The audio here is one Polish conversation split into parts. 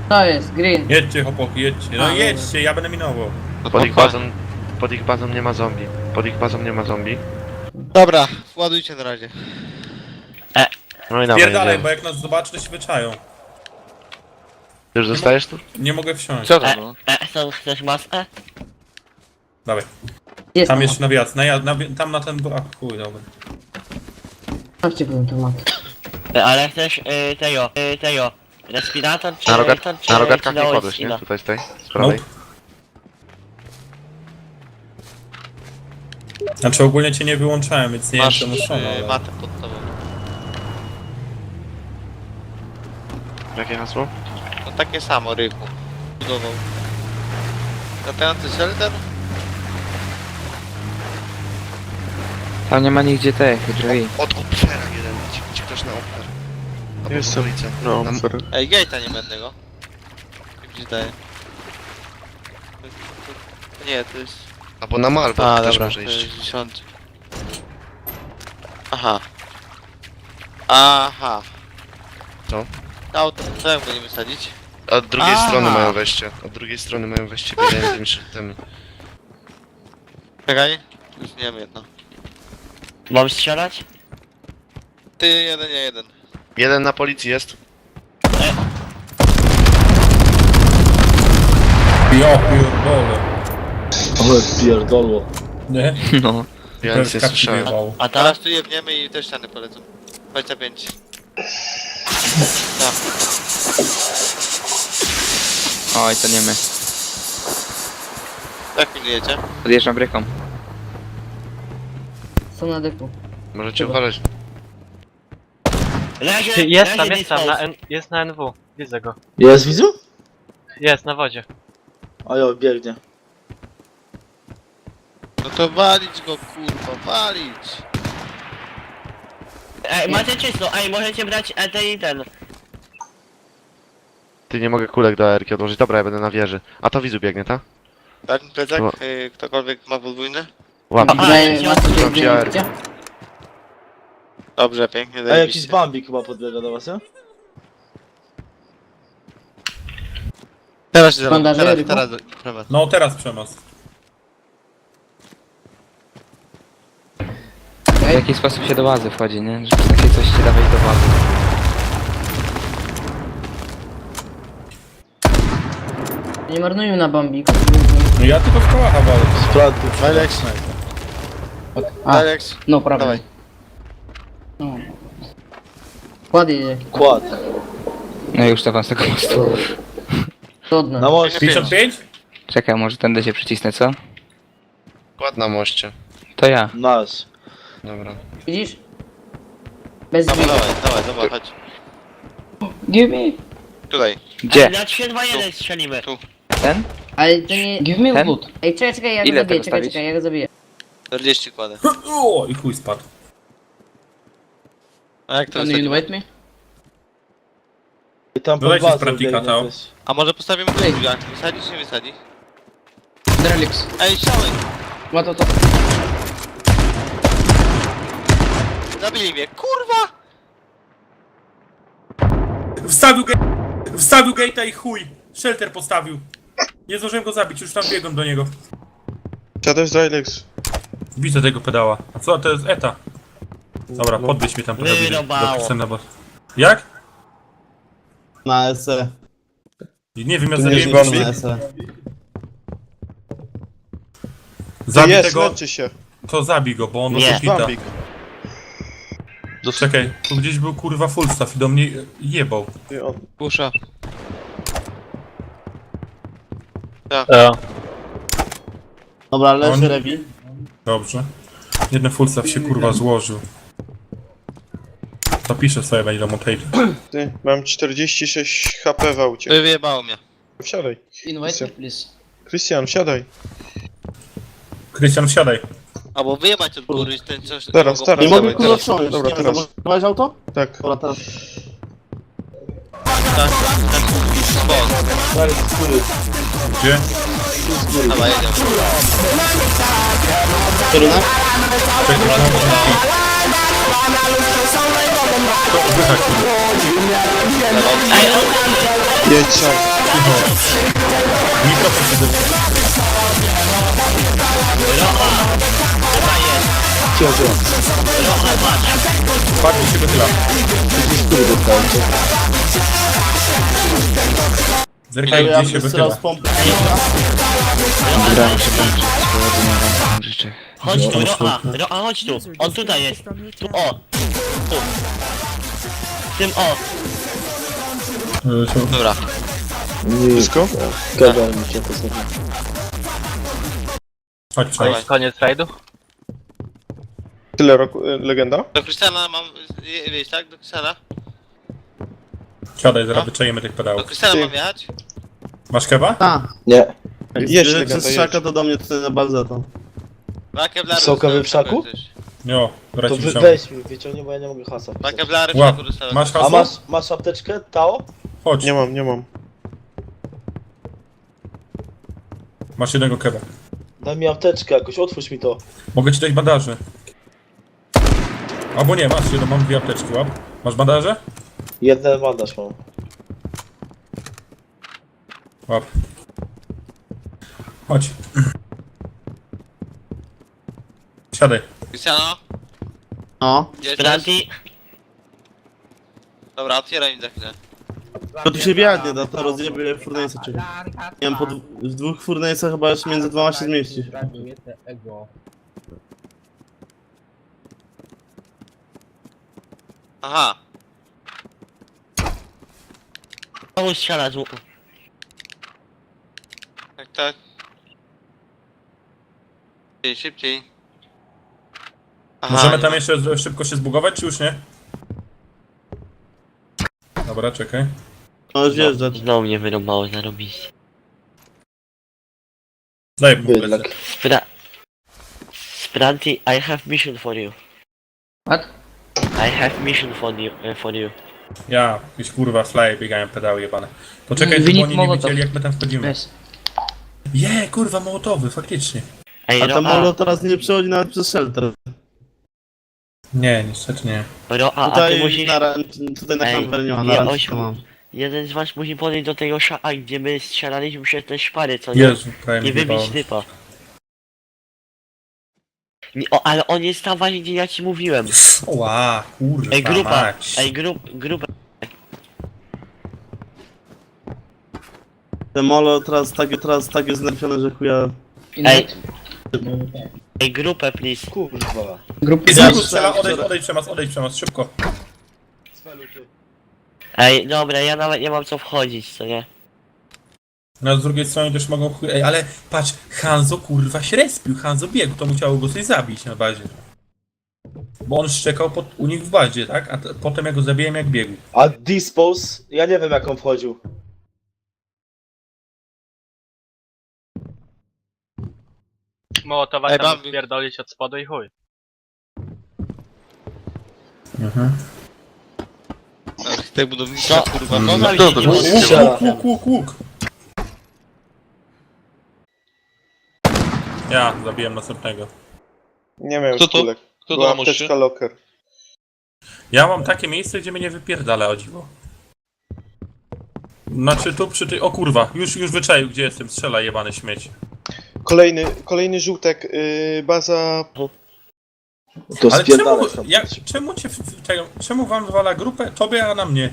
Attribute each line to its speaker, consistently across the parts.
Speaker 1: To jest, green.
Speaker 2: Jedźcie chłopaki, jedźcie. No
Speaker 1: A,
Speaker 2: jedźcie, ja będę minował.
Speaker 3: Pod ich bazą nie ma zombie. Pod ich bazą nie ma zombie.
Speaker 4: Dobra, ładujcie na razie.
Speaker 3: No i dawaj,
Speaker 2: Pierdalaj,
Speaker 3: jedziemy.
Speaker 2: bo jak nas zobaczy, to się wyczają.
Speaker 3: Ty już zostajesz tu?
Speaker 2: Nie mogę wsiąść.
Speaker 4: Co to było?
Speaker 5: Chcesz masę?
Speaker 2: Dawaj.
Speaker 1: Jest
Speaker 2: Tam
Speaker 1: tam
Speaker 2: jeszcze na wjazd, tam na ten... A chuj, dobra.
Speaker 1: Chodźcie powiem temat.
Speaker 5: Ale chcesz tego. Respirator czy...
Speaker 3: Na rogatkach
Speaker 5: czy
Speaker 3: nie
Speaker 5: dałeś
Speaker 3: kładłeś,
Speaker 5: skilla?
Speaker 3: nie? Tutaj z tej, z prawej.
Speaker 2: Znaczy ogólnie cię nie wyłączałem, więc nie
Speaker 4: Masz
Speaker 2: wiem czemu są, ale...
Speaker 4: matę pod tobą.
Speaker 3: Jakie hasło?
Speaker 4: No takie samo, Rychu. Budował. Latający shelter?
Speaker 6: Tam nie ma nigdzie tych drzwi.
Speaker 3: Odkup ferach jeden, ci ktoś na oper.
Speaker 7: Jestem. No, super.
Speaker 4: Ej, gate'a nie będę go. Jak ci daje? Nie, to jest...
Speaker 3: Albo na Malbo
Speaker 4: A,
Speaker 3: też
Speaker 4: dobra,
Speaker 3: może
Speaker 4: to
Speaker 3: iść.
Speaker 4: jest 10. Aha. Aha.
Speaker 3: Co?
Speaker 4: Auto, co jak go nie wysadzić?
Speaker 3: A od drugiej
Speaker 4: A.
Speaker 3: strony mają wejście. Od drugiej strony mają wejście biegają tymi szybkami.
Speaker 4: Czekaj. Już nie wiem jedno.
Speaker 5: Mam strzelać?
Speaker 4: Ty, jeden, ja jeden.
Speaker 3: Jeden na policji jest.
Speaker 2: Ja pierdolę.
Speaker 7: Ale pierdolło.
Speaker 2: Nie?
Speaker 6: No.
Speaker 3: Ja nic nie
Speaker 2: Kapci
Speaker 3: słyszałem.
Speaker 2: wyjebało.
Speaker 5: A teraz?
Speaker 4: Teraz tu jebniemy i też ściany polecą. 25. Tak.
Speaker 6: Oj, to nie my.
Speaker 4: Jak pilnujecie?
Speaker 6: Podjeżdżam bryką.
Speaker 1: Są na deku.
Speaker 3: Możecie uważać.
Speaker 5: Leży,
Speaker 8: Jest tam,
Speaker 5: leży
Speaker 8: jest tam,
Speaker 5: Discord.
Speaker 8: jest na NW. Widzę go.
Speaker 7: Jest, widzu?
Speaker 8: Jest, na wodzie.
Speaker 7: A jo, biegnie.
Speaker 4: No to walić go, kurwa, walić!
Speaker 5: Ej, macie czysto, możecie brać ten.
Speaker 3: Ty, nie mogę kulek do AR-ki odłożyć. Dobra, ja będę na wieży. A to widzu biegnie, tak?
Speaker 4: Tak, plecak,
Speaker 3: No.
Speaker 4: ktokolwiek ma podwójny?
Speaker 3: Łap.
Speaker 5: A,
Speaker 1: Daję
Speaker 5: ja-
Speaker 1: masę
Speaker 3: Mam
Speaker 1: biegnie,
Speaker 3: PR.
Speaker 1: widzicie?
Speaker 4: Dobrze, pięknie,
Speaker 7: A jakiś
Speaker 4: zajebiście.
Speaker 7: Bambik chyba podbiega do was, ja?
Speaker 4: Teraz się
Speaker 1: Bandaże,
Speaker 4: teraz,
Speaker 1: Ryku?
Speaker 4: teraz, teraz.
Speaker 2: No teraz Przemas.
Speaker 6: W jaki sposób się do bazy wchodzi, nie? Żeby takie coś się dawać do bazy.
Speaker 1: Nie marnujmy na bambiku.
Speaker 2: No ja tylko w kołacha walę.
Speaker 7: Sprawdź.
Speaker 4: Alex,
Speaker 1: A,
Speaker 4: Alex,
Speaker 1: no prawda.
Speaker 4: dawaj.
Speaker 1: No. Kład jedzie.
Speaker 7: Kład.
Speaker 6: No i już to wam z tego mostu.
Speaker 1: Trudno.
Speaker 7: Na moście.
Speaker 2: 55?
Speaker 6: Czekaj, może tędy się przycisnę, co?
Speaker 3: Kład na moście.
Speaker 6: To ja.
Speaker 7: Nasz.
Speaker 3: Dobra.
Speaker 1: Widzisz? Bez
Speaker 4: Dawaj,
Speaker 1: dźwigu.
Speaker 4: dawaj, chodź.
Speaker 1: Give me.
Speaker 4: Tutaj.
Speaker 6: Gdzie?
Speaker 5: Na 3-2-1 strzelimy.
Speaker 6: Ten?
Speaker 1: Ale to nie... Give me
Speaker 6: Ten?
Speaker 1: loot. Ej, czekaj, ja go
Speaker 6: Ile
Speaker 1: zabiję,
Speaker 6: tego stawić?
Speaker 1: czekaj, ja go zabiję.
Speaker 4: 40 kładę.
Speaker 2: O, i chuj spadł.
Speaker 4: A jak to
Speaker 1: Can you
Speaker 4: wysadzimy?
Speaker 1: invite me?
Speaker 7: I tam pod
Speaker 2: Dodajcie
Speaker 7: bazą
Speaker 2: sprawdzika,
Speaker 7: biegnie
Speaker 2: Tao.
Speaker 7: też.
Speaker 4: A może postawimy tu
Speaker 1: Ej.
Speaker 4: drzwiach? Wysadzi czy nie wysadzi?
Speaker 1: Drelix.
Speaker 4: Ej, siałem!
Speaker 1: What, what, what?
Speaker 4: Zabili mnie, kurwa!
Speaker 2: Wstawił gate'a i chuj. Shelter postawił. Nie zdążyłem go zabić, już tam biegłem do niego.
Speaker 7: Siadaj z Alex.
Speaker 2: Widzę tego pedała. A co, to jest ETA. Dobra, podbyć mnie tam trochę bliżej.
Speaker 5: Wyrobało.
Speaker 2: Chcę na boss. Jak?
Speaker 9: Na SE.
Speaker 2: Nie wiem, ja
Speaker 9: Tu nie
Speaker 2: zabiję
Speaker 9: zgodny
Speaker 2: go.
Speaker 9: na SE.
Speaker 2: Zabij tego,
Speaker 7: się.
Speaker 2: to zabij go, bo on
Speaker 5: Nie.
Speaker 2: oszukita. Czekaj, tu gdzieś był kurwa full staff i do mnie jebał.
Speaker 4: Pusza.
Speaker 9: Dobra, leży
Speaker 2: On-
Speaker 9: Rewi.
Speaker 2: Dobrze. Jeden full staff się kurwa złożył. Zapiszę sobie, będzie do montage'u.
Speaker 7: Ty, mam 46 HP w aucie.
Speaker 4: Wyjebało mnie.
Speaker 7: Wsiadaj.
Speaker 1: Invite me, please.
Speaker 7: Krystian, wsiadaj.
Speaker 2: Krystian, wsiadaj.
Speaker 4: Albo wyjebać od góry ten coś...
Speaker 7: Teraz,
Speaker 4: mogą-
Speaker 7: teraz.
Speaker 9: Nie mogę
Speaker 7: dawaj,
Speaker 9: kurwa
Speaker 7: teraz.
Speaker 9: wsiąść.
Speaker 7: Dobra,
Speaker 9: Nie,
Speaker 7: teraz.
Speaker 9: zablokowałeś auto?
Speaker 7: Tak.
Speaker 9: Dobra, teraz.
Speaker 4: Tak, spot.
Speaker 9: Dalej, z góry.
Speaker 2: Gdzie?
Speaker 4: Dawaj, jedziemy.
Speaker 9: Kierunek?
Speaker 2: Czekaj,
Speaker 5: Ej, on tam!
Speaker 7: Jedź sam.
Speaker 2: Mikrofon się zepsuł. Patrz, mi się wychyla. Zerkaj,
Speaker 9: Ja
Speaker 2: gdzie się
Speaker 9: bym
Speaker 2: wychyla.
Speaker 9: teraz pompę.
Speaker 6: Dobra, muszę kończyć. Powodzenia wam życzę.
Speaker 5: Chodź tu, Roa, chodź tu. On tutaj jest. Tu, o. Tu. W tym, o.
Speaker 4: Dobra.
Speaker 7: Wszystko?
Speaker 2: Chodź, przejdź.
Speaker 8: Koniec rajdu?
Speaker 7: Tyle roku, legenda?
Speaker 4: Do Krystiana mam... Wiesz, tak? Do Krystiana?
Speaker 2: Siadaj, zaraz wyczajemy tych
Speaker 4: Do
Speaker 2: pedałów.
Speaker 4: Krystiana
Speaker 7: Ty.
Speaker 4: mam jechać?
Speaker 2: Masz keba?
Speaker 9: A,
Speaker 7: Jedź
Speaker 9: jeśli
Speaker 7: legenda,
Speaker 9: przez
Speaker 7: jedź.
Speaker 9: szaka to do mnie tutaj na bazę to.
Speaker 4: Keblarów w szaku?
Speaker 2: Jo, dobra ci wziął.
Speaker 10: mi, wyciągnie, bo ja nie mogę hasa
Speaker 4: Dwa
Speaker 10: wpisać.
Speaker 4: keblary w
Speaker 2: Łap.
Speaker 4: szaku dostałem.
Speaker 2: Masz
Speaker 10: A
Speaker 2: hasło?
Speaker 10: masz apteczkę, Tao?
Speaker 2: Chodź,
Speaker 7: Nie mam, nie mam.
Speaker 2: masz jednego keba.
Speaker 10: Daj mi apteczkę jakoś, otwórz mi to.
Speaker 2: Mogę ci dać bandaży. Albo nie, masz jedno, mam dwie apteczki, łap. Masz bandaże?
Speaker 10: Jeden bandaż mam.
Speaker 2: Łap. Chodź. Siadaj.
Speaker 4: Krystiano?
Speaker 9: No.
Speaker 4: Jedziesz?
Speaker 5: Branti.
Speaker 4: Dobra, otwieraj mi za chwilę.
Speaker 9: To tu się biadnie, da to rozjebie furnace czy. Nie wiem, w dwóch furnace'ach chyba jeszcze między dwoma się zmieści.
Speaker 4: Aha.
Speaker 5: Znowu strzela z łuku.
Speaker 4: Tak, tak. Szybciej, szybciej. Aha,
Speaker 2: Możemy
Speaker 4: nie
Speaker 2: tam
Speaker 4: ma.
Speaker 2: jeszcze szybko się zbugować, czy już nie? Dobra, czekaj.
Speaker 9: Możesz wjeżdżać.
Speaker 5: Znowu mnie wyrąbało zarobiście.
Speaker 2: Daj mu
Speaker 10: Bydlak.
Speaker 5: Spranti, I have mission for you.
Speaker 1: What?
Speaker 5: I have mission for you.
Speaker 2: Ja, jakieś kurwa fly biegają pedały jebane. Poczekaj,
Speaker 1: We
Speaker 2: żeby
Speaker 1: need
Speaker 2: oni nie
Speaker 1: Molotov.
Speaker 2: wiedzieli jak my tam wchodzimy.
Speaker 1: Yes.
Speaker 2: Kurwa mołotowy, faktycznie.
Speaker 5: Ej,
Speaker 9: A to
Speaker 5: Roa,
Speaker 9: molo teraz nie przechodzi nawet przez shelter.
Speaker 2: Nie, niestety nie.
Speaker 5: Roa, a ty
Speaker 9: Tutaj
Speaker 5: musisz...
Speaker 9: tutaj na
Speaker 5: Ej,
Speaker 9: kamper nie ma,
Speaker 5: nie,
Speaker 9: na razie
Speaker 5: ośmiu.
Speaker 9: to mam.
Speaker 5: Jeden z was musi podejść do tego szaka, gdzie my strzelaliśmy przez te szpary, co nie?
Speaker 2: Jezu, prawie
Speaker 5: Nie
Speaker 2: mi wybało.
Speaker 5: wybić typa. Nie, o, ale on jest tam właśnie, gdzie ja ci mówiłem.
Speaker 2: Ła, kurwa
Speaker 5: Ej, grupa,
Speaker 2: mać.
Speaker 5: ej, grupa.
Speaker 9: Te molo teraz tak jest znerfione, że chuja...
Speaker 5: Ej, ej, grupę, please.
Speaker 10: Kurwa.
Speaker 1: Grupy
Speaker 2: Z łuku strzela, odejdź Przemas, szybko.
Speaker 5: Ej, dobra, ja nawet nie mam co wchodzić, co nie?
Speaker 2: No z drugiej strony też mogą Ej, ale patrz, Hanzo kurwa się respił, Hanzo biegł, to musiało go coś zabić na bazie. Bo on szczekał u nich w bazie, tak? A potem ja go zabiłem jak biegł.
Speaker 10: A Dispose? Ja nie wiem jak on wchodził.
Speaker 8: Mołotowa
Speaker 4: Ej,
Speaker 8: tam
Speaker 4: Bambi.
Speaker 8: spierdolić od spodu i chuj.
Speaker 4: Architekt budownictwa,
Speaker 5: Co?
Speaker 4: kurwa.
Speaker 5: No,
Speaker 4: No,
Speaker 5: no,
Speaker 4: dobra.
Speaker 2: Łuk. Ja zabiłem następnego.
Speaker 7: Nie miałem
Speaker 4: Kto to?
Speaker 7: kulek.
Speaker 4: Kto to
Speaker 7: Była
Speaker 4: na moście?
Speaker 7: apteczka locker.
Speaker 2: Ja mam takie miejsce, gdzie mnie nie wypierdala, o dziwo. Znaczy tu przy tej... O kurwa, już wyczaił gdzie jestem, strzela jebany śmieć.
Speaker 7: Kolejny żółtek, baza...
Speaker 10: To
Speaker 2: Ale
Speaker 10: spierdalać tam.
Speaker 2: czemu wam wywala grupę? Tobie, a na mnie?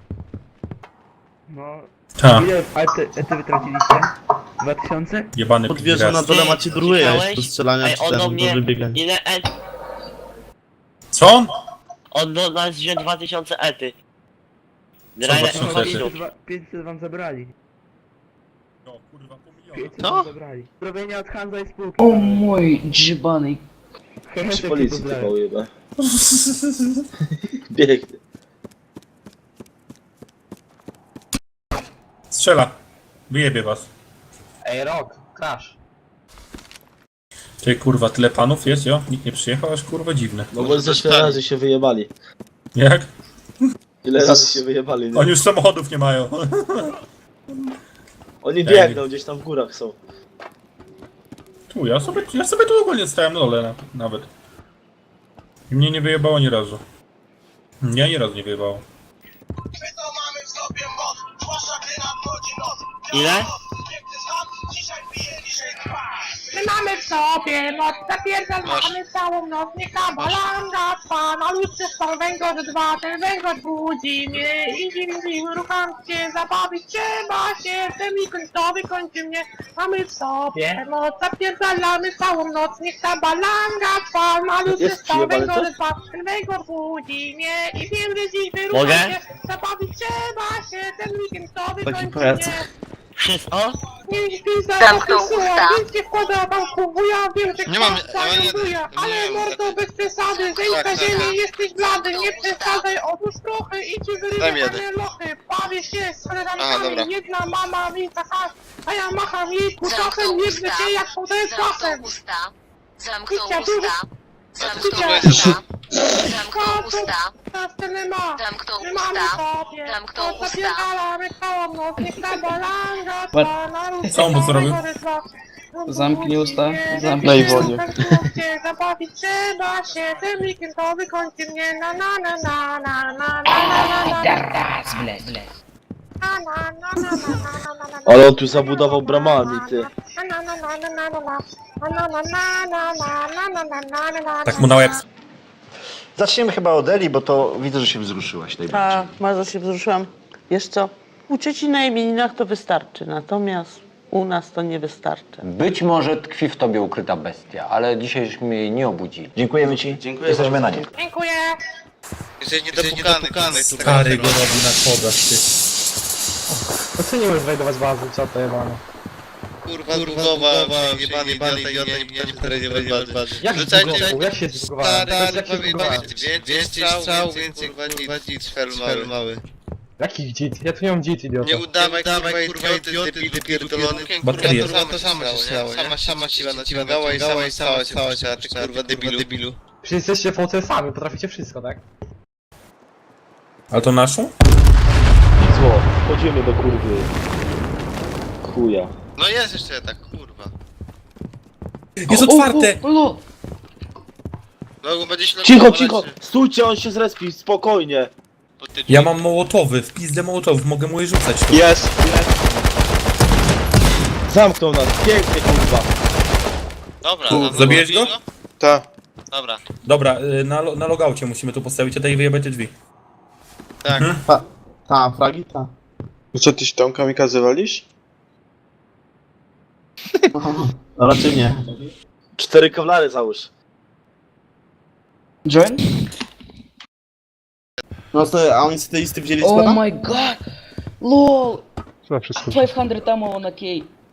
Speaker 11: No,
Speaker 2: Ta,
Speaker 11: ile ety wytraciliście? 2000?
Speaker 2: jebany
Speaker 9: Podwierzę na
Speaker 2: pigras.
Speaker 9: dole macie druję
Speaker 5: Słyszałeś?
Speaker 9: do strzelania
Speaker 5: Ej,
Speaker 9: czy
Speaker 5: on do
Speaker 9: ten, do
Speaker 5: mnie...
Speaker 9: wybiegania.
Speaker 5: Ile
Speaker 2: Co on?
Speaker 5: On do nas wziął 2000 ety.
Speaker 2: Co
Speaker 5: Drajle,
Speaker 2: 2000
Speaker 5: chodź
Speaker 2: ety?
Speaker 5: tu.
Speaker 11: 500 wam zabrali.
Speaker 2: No kurwa, pół miliona.
Speaker 11: 500
Speaker 4: Co?
Speaker 11: wam zabrali. Zrobienie od Hanza i spółki.
Speaker 1: O mój dżibany.
Speaker 10: Przy policji typa ujeba. Biegnie.
Speaker 2: Strzela. Wyjebie was.
Speaker 11: Ej, Rok, crash.
Speaker 2: Ty kurwa, tyle panów jest, jo? Nikt nie przyjechał, aż kurwa dziwne.
Speaker 10: No bo ze 4 razy się wyjebali.
Speaker 2: Jak?
Speaker 10: Ile razy się wyjebali, nie?
Speaker 2: Oni już samochodów nie mają.
Speaker 10: Oni biegną, gdzieś tam w górach są.
Speaker 2: Tu, ja sobie tu ogólnie stałem na dole nawet. I mnie nie wyjebało ani razu. Nie, ani razu nie wyjebało.
Speaker 5: Ile?
Speaker 12: My mamy w sobie moc, zapierdalamy całą noc, niech ta balanga trwa, na ludzce są węgorz 2, ten węgorz budzi mnie i dziwi, rucham się, zabawić trzeba się, ten weekend to wykończy mnie. Mamy w sobie moc, zapierdalamy całą noc, niech ta balanga trwa, na ludzce
Speaker 10: Jest
Speaker 12: są
Speaker 10: przyjebane
Speaker 12: węgorz
Speaker 10: coś?
Speaker 12: 2, ten węgorz budzi mnie i wiem, że dziś wyrucham
Speaker 5: Mogę?
Speaker 12: się, zabawić trzeba się, ten weekend to wykończy
Speaker 9: pajac.
Speaker 12: mnie.
Speaker 5: Wszystko?
Speaker 12: Nie śpi za
Speaker 13: Zamknął
Speaker 12: opisuje,
Speaker 13: usta.
Speaker 12: nic nie wkłada wam kubuja, wiem, że
Speaker 4: Nie mam-
Speaker 12: kłamca
Speaker 4: ale nie-
Speaker 12: ląduje, ale
Speaker 4: nie mam-
Speaker 12: mordo bez przesady, zejdź
Speaker 4: Tak,
Speaker 12: na
Speaker 4: tak,
Speaker 12: ziemię,
Speaker 4: tak.
Speaker 12: jesteś blady, nie przesadzaj, odłóż trochę i ci
Speaker 4: Daj mi
Speaker 12: wyrywamy
Speaker 4: jeden.
Speaker 12: lochy, bawię się z
Speaker 4: Aha, dobra.
Speaker 12: koleżankami, jedna mama mi taka, a ja macham jej kutasem, nie
Speaker 13: usta.
Speaker 12: się jak podaję czasem.
Speaker 13: usta. Zamknął
Speaker 12: Kicia,
Speaker 13: usta. Zamknął
Speaker 12: Kicia.
Speaker 13: usta. Zamknął usta.
Speaker 12: Nas tyle ma,
Speaker 13: Zamknął
Speaker 12: my mamy
Speaker 13: usta.
Speaker 12: sobie,
Speaker 13: Zamknął
Speaker 12: to
Speaker 13: usta.
Speaker 12: zapierdalamy całą noc, niech ta balanga trwa, na ludzkie
Speaker 2: Co on mu zrobił?
Speaker 12: węgorz 2.
Speaker 1: Zamknij usta,
Speaker 7: Na
Speaker 1: zamknij
Speaker 7: Iwonie.
Speaker 12: Zabawić trzeba się, ten weekend to wykończy mnie, na na na na na na na na na
Speaker 1: Teraz, bled.
Speaker 12: na na na na na na na.
Speaker 10: Ale on tu zabudował bramami, ty.
Speaker 2: Tak mu na łeb.
Speaker 11: Zaczniemy chyba od Eli, bo to widzę, że się wzruszyłaś najbardziej.
Speaker 12: Tak, bardzo się wzruszyłam. Wiesz co, u cieci na imieninach to wystarczy, natomiast u nas to nie wystarczy.
Speaker 11: Być może tkwi w tobie ukryta bestia, ale dzisiaj żeśmy jej nie obudzili. Dziękujemy ci. Jesteśmy na nie.
Speaker 12: Dziękuję.
Speaker 4: Jesteś niedopukany.
Speaker 2: Stary go robi na schodach, ty.
Speaker 11: No co nie możesz znajdować bazy, co to jebane?
Speaker 4: Kurwa, jebany idiota, ja nie będę nie walczyć.
Speaker 11: Jak
Speaker 4: Rzucajcie,
Speaker 11: jak się zbugowałem?
Speaker 4: stary,
Speaker 11: Jak się zbugowałem?
Speaker 4: więcej strzał, więcej kurwa nic, fel mały.
Speaker 11: Jaki dzit? Ja tu nie mam dzit, idioto.
Speaker 4: Nie udawaj kurwa idioty, debilu pierdolony.
Speaker 2: Bateria.
Speaker 4: Kurwa, to samo się stało, sama siła naciągała i sama stała się, a ty kurwa debilu.
Speaker 11: Przecież jesteście fałcersami, potraficie wszystko, tak?
Speaker 2: Ale to naszą?
Speaker 10: Zło, wchodzimy do kurwy. Chuja.
Speaker 4: No jest jeszcze tak, kurwa.
Speaker 2: Jest otwarte!
Speaker 1: O,
Speaker 4: No będzie się
Speaker 10: Cicho! Stójcie, on się zrespi, spokojnie.
Speaker 2: Ja mam mołotowy, w pizdę mołotowów, mogę mu je rzucać tu.
Speaker 7: Jest!
Speaker 10: Zamknął nas, pięknie kurwa.
Speaker 4: Dobra,
Speaker 2: Zabiłeś go?
Speaker 7: Ta.
Speaker 4: Dobra.
Speaker 2: Dobra, na logaucie musimy tu postawić, a daj wyjebać te drzwi.
Speaker 4: Tak.
Speaker 9: Ta, fragi, ta.
Speaker 7: No co, ty się tam kamikaze walisz?
Speaker 9: No raczej nie.
Speaker 10: 4 kowlary załóż.
Speaker 1: join?
Speaker 9: No to, a oni z tej listy wzięli
Speaker 1: Oh
Speaker 9: składa?
Speaker 1: my god! LOL!
Speaker 11: Co wszystko?
Speaker 1: 500 ammo on a key.